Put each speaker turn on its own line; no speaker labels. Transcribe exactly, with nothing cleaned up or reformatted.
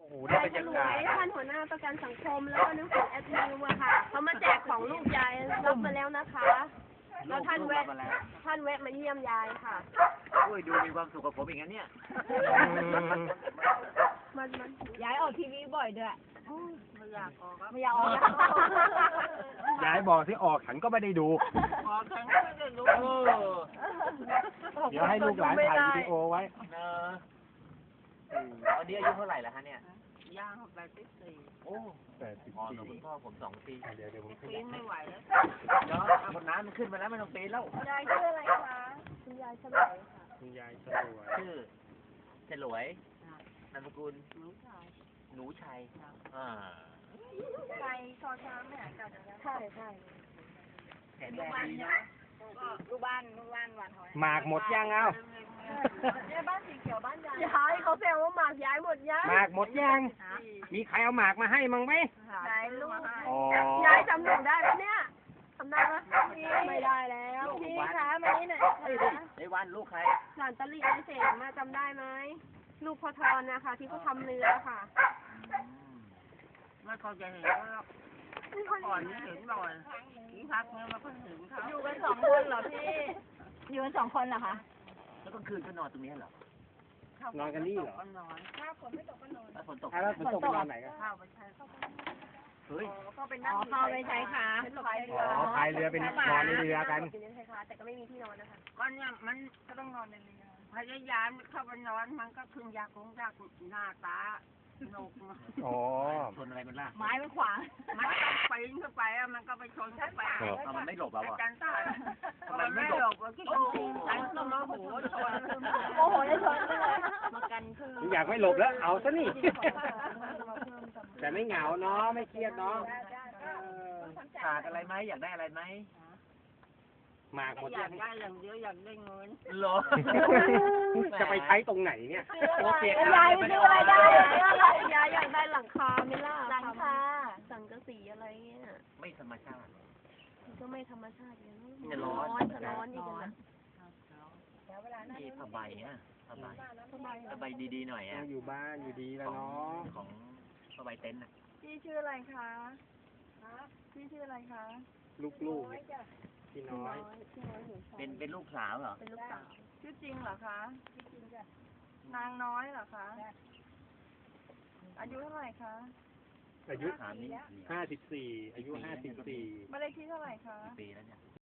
โอ้โหได้บรรยากาศ
ท่านหัวหน้าประกันสังคมแล้วก็นึกถึงแอดมิวอะค่ะเขามาแจกของลูกยายรับมาแล้วนะคะแล้วท่านแวะท่านแวะมาเยี่ยมยายค่ะ
โอ้ยดูมีความสุขกับผมอย่างนั้นเนี่ย
มันมัน
ย้ายออกทีวีบ่อยด้วย
ไม่อยากออก
ไม่อยากออก
ยายบอกที่ออกฉันก็ไม่ได้ดู
ออกฉันก็ไม่ได้ดู
เดี๋ยวให้ลูกหลานถ่ายวิดีโอไว้
เนอะตอนนี้อายุเท่าไหร่แล้วฮะเนี่ย
ย่างแปดสิบสี่
โอ้
แปดสิบ
อ๋อ
สี่
คุณพ่อผมสองปี
เดี๋ยวเดี๋ยวผม
ปีนไม่ไหวแล้ว
เนาะคนน้ำมันขึ้นมาแล้วไม่ต้องปีนแล้ว
ยายชื่ออะไรคะคุณยายฉลวยค่ะ
คุณยายฉลวย
ชื่อฉลวยนามสกุล
หนูชัย
หนูชัยอ่า
ชัยชอช้างไม่หายกันใช่ใช่
แข็งแรงดีนะ
ลูกบ้านลูกบ้านหวานหอย
หมากหมดยังเอา
เนี่ยบ้านสีเขียวบ้านยายย้ายเขาแซวว่าหมากย้ายหมดยัง
หมากหมดยังมีใครเอาหมากมาให้มั้งไหม
ยายลูก
ย
ายจำหนูได้ไหมเนี่ยทำได้ไหมไม่ได้แล้วพี่คะมานี่หน่อย
ไอ้วันลูกใคร
หลานตะลีไอเสงมาจำได้ไหมลูกพอทอนนะคะที่เขาทำเรือค่ะไม่เขาจะเห็นแล้วก่อนนี้เห็นบ่อยที่พักเนี่ยมาเพิ่งเห็นเขาอยู่กันสองคนเหรอพี่
อยู่กันสองคนเหรอคะ
แล้วกลางคืนก็นอนตรงนี้เหรอ
นอนกันนี่เหรอ
ถ้าฝนไม่ตกก็นอน
ถ้าฝนตก
แล้วฝนตกนอนไหนกัน
ข้าวไปใช้
เฮ้ย
ก็เป็นนั่ง
ข้าวไปใช้ค่ะ
อ๋อพายเรือเป็นนอนในเรือกัน
แต่ก็ไม่มีที่นอนนะคะก็เนี่ยมันก็ต้องนอนในเรือพยายามเข้าไปนอนมันก็คืนยาคงยากหน้าตาโนก
อ๋อ
ชนอะไรมันล่ะ
ไม้มันขวาง
มันต้องปีนขึ้นไปมันก็ไปชนขึ้นไป
มันไม่หลบแล้วอ่ะ
จันตาทำไมไม่หลบวะที่ฉันก็โมโหชน
โมโหจะชนเลย
มากันคือ
อยากไม่หลบแล้วเอาซะนี่แต่ไม่เหงาเนาะไม่เครียดเนาะ
ขาดอะไรไหมอยากได้อะไรไหม
หมากหมด
อยากได้อย่างเดียวอยากได้เงิน
หรอ
จะไปใช้ตรงไหนเนี่ย
โอเค
ยายซื้ออะไรได้
ยายอยากได้หลังคาไม่ล่ะ
หลังคา
สังกะสีอะไรเงี้ย
ไม่ธรรมชาติ
ก็ไม่ธรรมชาติเลย
จะร้อน
จะร้อนอีกนะ
นี่ผ้าใบอ่ะผ้าใบผ้าใบดีๆหน่อยอ่ะ
อยู่บ้านอยู่ดีแล้วเนาะ
ของผ้าใบเต็นท์อ่ะ
พี่ชื่ออะไรคะพี่ชื่ออะไรคะ
ลูกๆพี่น้อย
เป็นเป็นลูกสาวเหรอ
เป็นลูกสาวชื่อจริงเหรอคะชื่อจริงจ้ะนางน้อยเหรอคะอายุเท่าไหร่คะ
อายุห้าสิบสี่อายุห้าสิบสี่
บ้านเลขที่เท่าไหร่คะ
ปีแล้วเนี่ย